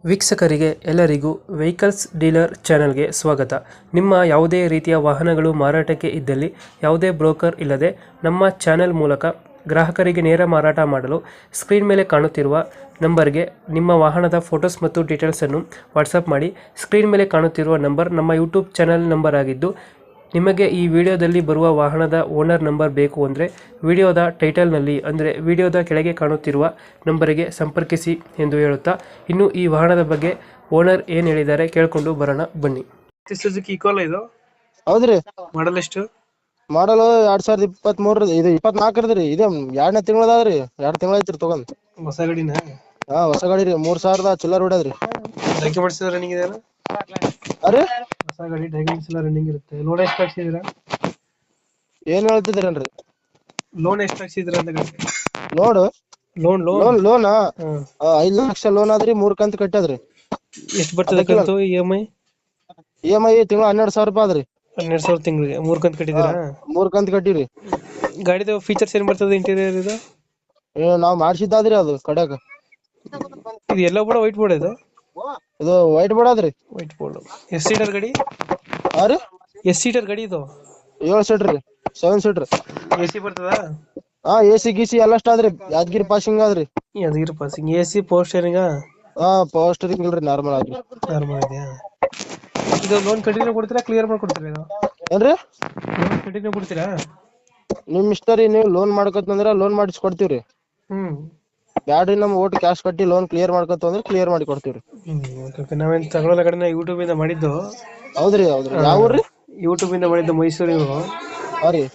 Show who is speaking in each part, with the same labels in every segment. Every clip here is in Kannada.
Speaker 1: ವೀಕ್ಷಕರಿಗೆ ಎಲ್ಲರಿಗೂ ವೆಹಿಕಲ್ಸ್ ಡೀಲರ್ ಚಾನೆಲ್ಗೆ ಸ್ವಾಗತ. ನಿಮ್ಮ ಯಾವುದೇ ರೀತಿಯ ವಾಹನಗಳು ಮಾರಾಟಕ್ಕೆ ಇದ್ದಲ್ಲಿ ಯಾವುದೇ ಬ್ರೋಕರ್ ಇಲ್ಲದೆ ನಮ್ಮ ಚಾನೆಲ್ ಮೂಲಕ ಗ್ರಾಹಕರಿಗೆ ನೇರ ಮಾರಾಟ ಮಾಡಲು ಸ್ಕ್ರೀನ್ ಮೇಲೆ ಕಾಣುತ್ತಿರುವ ನಂಬರ್ಗೆ ನಿಮ್ಮ ವಾಹನದ ಫೋಟೋಸ್ ಮತ್ತು ಡೀಟೇಲ್ಸನ್ನು ವಾಟ್ಸಪ್ ಮಾಡಿ. ಸ್ಕ್ರೀನ್ ಮೇಲೆ ಕಾಣುತ್ತಿರುವ ನಂಬರ್ ನಮ್ಮ ಯೂಟ್ಯೂಬ್ ಚಾನೆಲ್ ನಂಬರ್ ಆಗಿದ್ದು, ನಿಮಗೆ ಈ ವಿಡಿಯೋದಲ್ಲಿ ಬರುವ ವಾಹನದ ಓನರ್ ನಂಬರ್ ಬೇಕು ಅಂದರೆ ವಿಡಿಯೋದ ಟೈಟಲ್ನಲ್ಲಿ ಅಂದರೆ ವಿಡಿಯೋದ ಕೆಳಗೆ ಕಾಣುತ್ತಿರುವ ನಂಬರಿಗೆ ಸಂಪರ್ಕಿಸಿ ಎಂದು ಹೇಳುತ್ತಾ, ಇನ್ನು ಈ ವಾಹನದ ಬಗ್ಗೆ ಓನರ್ ಏನು ಹೇಳಿದ್ದಾರೆ ಕೇಳಿಕೊಂಡು ಬರೋಣ ಬನ್ನಿ. ಸುಜುಕಿ ಇಕೋಲಾ ಇದು?
Speaker 2: ಹೌದ್ರಿ.
Speaker 1: ಮಾಡಲ್ ಎಷ್ಟು?
Speaker 2: ಮಾಡಲು 2023 ಇದು 24 ಇದೆ. 2ನೇ ತಿಂಗಳದಾದ್ರಿ. 2 ತಿಂಗಳ ಐತ್ರಿ ತಗೊಂಡ್.
Speaker 1: ಹೊಸ ಗಾಡಿನ?
Speaker 2: ಹಾ, ಹೊಸ ಗಾಡಿ ರೀ. 3000 ಚಿಲ್ಲರ್ ಹೊಡ್ಯಾದ್ರಿ.
Speaker 1: ಡಾಕ್ಯುಮೆಂಟ್ಸ್ ರನ್ನಿಂಗ್ ಇದೆ?
Speaker 2: ಅರೆ
Speaker 1: ಹೊಸ ಗಾಡಿ ಡಾಕ್ಯುಮೆಂಟ್ಸ್ ಎಲ್ಲ ರನ್ನಿಂಗ್ ಇರುತ್ತೆ. ಲೋನ್ ಎಷ್ಟು ಹಾಕ್ಸಿದ್ದೀರಾ?
Speaker 2: ಏನ್ ಹೇಳ್ತಿದ್ರೇನ್ರಿ?
Speaker 1: ಲೋನ್ ಎಷ್ಟು ಹಾಕ್ಸಿದ್ದೀರಾ ಅಂತ ಗಾಡಿ?
Speaker 2: ನೋಡು,
Speaker 1: ಲೋನ್
Speaker 2: ಲೋನ್ 5 ಲಕ್ಷ ಲೋನ್ ಆದ್ರಿ. 3 ಕಂತು ಕಟ್ಟದ್ರಿ.
Speaker 1: ಎಷ್ಟು ಬರ್ತದೆ ಕಂತು? EMI
Speaker 2: ತಿಂಗಳ 12,000 ರೂಪಾಯಿ ಆದ್ರಿ.
Speaker 1: 12,000 ತಿಂಗಳಿಗೆ 3 ಕಂತು ಕಟ್ಟಿದ್ದೀರಾ?
Speaker 2: 3 ಕಂತು ಕಟ್ಟಿವ್ರಿ.
Speaker 1: ಗಾಡಿದು ಫೀಚರ್ಸ್ ಏನ್ ಬರ್ತದೆ? ಇಂಟೀರಿಯರ್ ಇದು
Speaker 2: ನಾವ್ ಮಾಡ್ಸಿದ್ದಾದ್ರಿ. ಅದು ಕಡ್ಯಾಕ
Speaker 1: ಇದು ಎಲ್ಲ ಬೋರ್ಡ್ ವೈಟ್ ಬೋರ್ಡ್
Speaker 2: ಇದು ವೈಟ್ ಬೋರ್ಡ್ ಆದ್ರಿ.
Speaker 1: White board. ಎಷ್ಟು ಸೀಟರ್ ಗಾಡಿ?
Speaker 2: ಅರೆ
Speaker 1: ಎಷ್ಟು ಸೀಟರ್ ಗಾಡಿ ಇದು?
Speaker 2: 7 ಸೀಟರ್ ರೀ. 7 ಸೀಟರ್.
Speaker 1: AC ಬರ್ತದ?
Speaker 2: ಹಾ, AC ಗೀಸಿ ಎಲ್ಲ ಅಷ್ಟ ಆದ್ರಿ. ಯಾದಗಿರಿ ಪಾಸಿಂಗ್ ಆದ್ರಿ.
Speaker 1: Yadgiri passing. AC power steering?
Speaker 2: ಹಾ, ಪವರ್ ಸ್ಟೇರಿಂಗ್ ಇಲ್ರಿ, ನಾರ್ಮಲ್ ಆದ್ರಿ.
Speaker 1: ನಾರ್ಮಲ್ ಇದೆಯಾ? ಇದು ಲೋನ್ ಕಂಟಿನ್ಯೂ ಕೊಡ್ತೀರಾ, ಕ್ಲಿಯರ್ ಮಾಡ್ಕೊಡ್ತೀರಾ? ಇದು
Speaker 2: ಏನ್ರಿ?
Speaker 1: ಲೋನ್ ಕಂಟಿನ್ಯೂ ಕೊಡ್ತೀರಾ?
Speaker 2: ನಿಮ್ ಇಷ್ಟ ರೀ. ನೀವು ಲೋನ್ ಮಾಡ್ಕೊತಂದ್ರ ಲೋನ್ ಮಾಡಿಸಿ ಕೊಡ್ತೀವ್ರಿ. ಬ್ಯಾಡ್ರಿ, ನಮ್ ಓಟ್ ಕ್ಯಾಶ್ ಕಟ್ಟಿ ಲೋನ್ ಕ್ಲಿಯರ್ ಮಾಡ್ಕೊತಂದ್ರ ಕ್ಲಿಯರ್ ಮಾಡಿ ಕೊಡ್ತೀವ್ರಿ.
Speaker 1: ನಾವೇನ್ ತಗೊಳ್ಳೋ ಕಡೆ ಯೂಟ್ಯೂಬ್ ಇಂದ ಮಾಡಿದ್ದು.
Speaker 2: ಹೌದ್ರಿ. ಯಾವ ಊರ್ರಿ?
Speaker 1: ಯೂಟ್ಯೂಬ್ ಇಂದ ಮಾಡಿದ್ದು, ಮೈಸೂರು.
Speaker 2: ಹಾ ರೀ.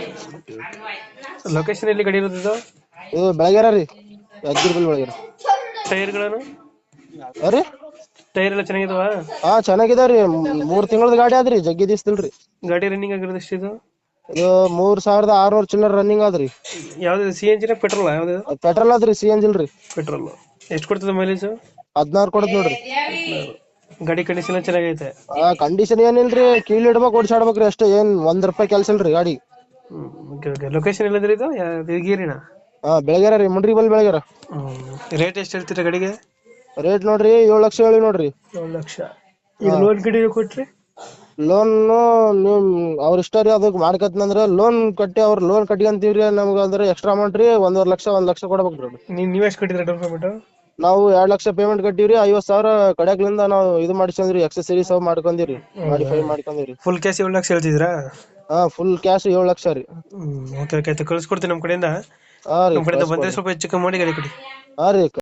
Speaker 1: ಲೊಕೇಶನ್ ಎಲ್ಲಿ ಗಾಡಿ ಇರೋದು?
Speaker 2: ಇದು ಬೆಳಗೆರೆ ರೀ. ಯಾದಗಿರಿ ಬೆಳಗೆರೆ.
Speaker 1: ಟೈರ್ಗಳನ್ನು?
Speaker 2: ಅರೆ
Speaker 1: ಟೈರ್ ಎಲ್ಲ ಚೆನ್ನಾಗಿದಾವ?
Speaker 2: ಹಾ, ಚೆನ್ನಾಗಿದಾವ್ರಿ. 3 ತಿಂಗಳದ ಗಾಡಿ ಆದ್ರಿ. ಜಗ್ಗಿ ದಿವಸದಿಲ್ರಿ.
Speaker 1: ಗಾಡಿ ರನ್ನಿಂಗ್ ಆಗಿರೋದು ಎಷ್ಟಿದು?
Speaker 2: ಇದು 3600 ಚಿಲ್ಲರ್ ರನ್ನಿಂಗ್ ಆದ್ರಿ.
Speaker 1: ಯಾವ್ದು CNG ಪೆಟ್ರೋಲ್? ಯಾವ್ದು?
Speaker 2: ಪೆಟ್ರೋಲ್ ಆದ್ರಿ, CNG ಇಲ್ರಿ.
Speaker 1: ಪೆಟ್ರೋಲ್. ಎಷ್ಟು ಕೊಡ್ತದೆ ಮೈಲೇಜ್?
Speaker 2: 16 ಕೊಡತ್ ನೋಡ್ರಿ.
Speaker 1: ಗಾಡಿ ಕಂಡೀಷನ್ ಚೆನ್ನಾಗೈತೆ?
Speaker 2: ಕಂಡೀಷನ್ ಏನಿಲ್ರಿ. ಕೀಲ್ ಇಡ್ಬೇಕು, ಓಡಿಸಾಡ್ಬೇಕ್ರಿ ಅಷ್ಟೇ. ಏನ್ ₹1 ಕೆಲ್ಸ ಇಲ್ರಿ ಗಾಡಿ.
Speaker 1: ಲೊಕೇಶನ್ ಎಲ್ಲದ್ರಿ ಇದು? ಗೀರಿನ?
Speaker 2: ಹಾ, ಬೆಳಗೆರೆ ರೀ. ಮುಂಡ್ರಿ ಬಲ್ ಬೆಳಗೆರೆ.
Speaker 1: ರೇಟ್ ಎಷ್ಟು ಹೇಳ್ತೀರಾ ಗಾಡಿಗೆ?
Speaker 2: ರೇಟ್ ನೋಡ್ರಿ 7 ಲಕ್ಷ ಹೇಳಿ ನೋಡ್ರಿ.
Speaker 1: 7 ಲಕ್ಷ. ಈಗ ಲೋನ್ ಗಾಡಿ ಕೊಟ್ರಿ?
Speaker 2: ಲೋನ್ ನಿಮ್ ಅವ್ರ ಇಷ್ಟ ರೀ. ಅದಕ್ಕೆ ಮಾಡ್ಕತ್ನಂದ್ರ ಲೋನ್ ಕಟ್ಟಿ ಅವ್ರ ಲೋನ್ ಕಟ್ಕೊಂತೀವ್ರಿ. ನಮ್ಗ ಅಂದ್ರೆ ಎಕ್ಸ್ಟ್ರಾ ಅಮೌಂಟ್ ರೀ. 1 ಲಕ್ಷ ಕೊಡ್ಬೇಕ್ರಿ.
Speaker 1: ನೀವ್ ಎಷ್ಟು ಕಟ್ಟಿದ್ರ ಡೌನ್ ಪೇಮೆಂಟ್?
Speaker 2: ನಾವು 2 ಲಕ್ಷ ಪೇಮೆಂಟ್ ಕಟ್ಟಿವ್ರಿ. 50,000 ಕಡೆಕ್ಲಿಂದ ನಾವು ಇದು ಮಾಡಿಸ್ಕೊಂಡ್ರಿ. ಎಕ್ಸೆಸರೀಸ್ ಅವ್ ಮಾಡ್ಕೊಂಡಿವ್ರಿ. ಮಾಡಿಫೈ ಮಾಡ್ಕೊಂಡಿವ್ರಿ.
Speaker 1: ಫುಲ್ ಕ್ಯಾಶ್ 7 ಲಕ್ಷ ಹೇಳ್ತಿದ್ರಾ?
Speaker 2: ಹಾ, ಫುಲ್ ಕ್ಯಾಶ್ 7 ಲಕ್ಷ ರೀ.
Speaker 1: ಓಕೆ, ಕಳ್ಸಿಕೊಡ್ತೀನಿ ನಮ್ಮ ಕಡೆಯಿಂದ.
Speaker 2: ಹಾ ರೀ.
Speaker 1: ನಮ್ಮ ಕಡೆಯಿಂದ ಬಂದ್ರೆ ಸ್ವಲ್ಪ ಹೆಚ್ಚು ಕಮ್ಮಿ ಮಾಡಿ ಗಾಡಿ ಕೊಡಿ.
Speaker 2: ಹಾ ರೀ.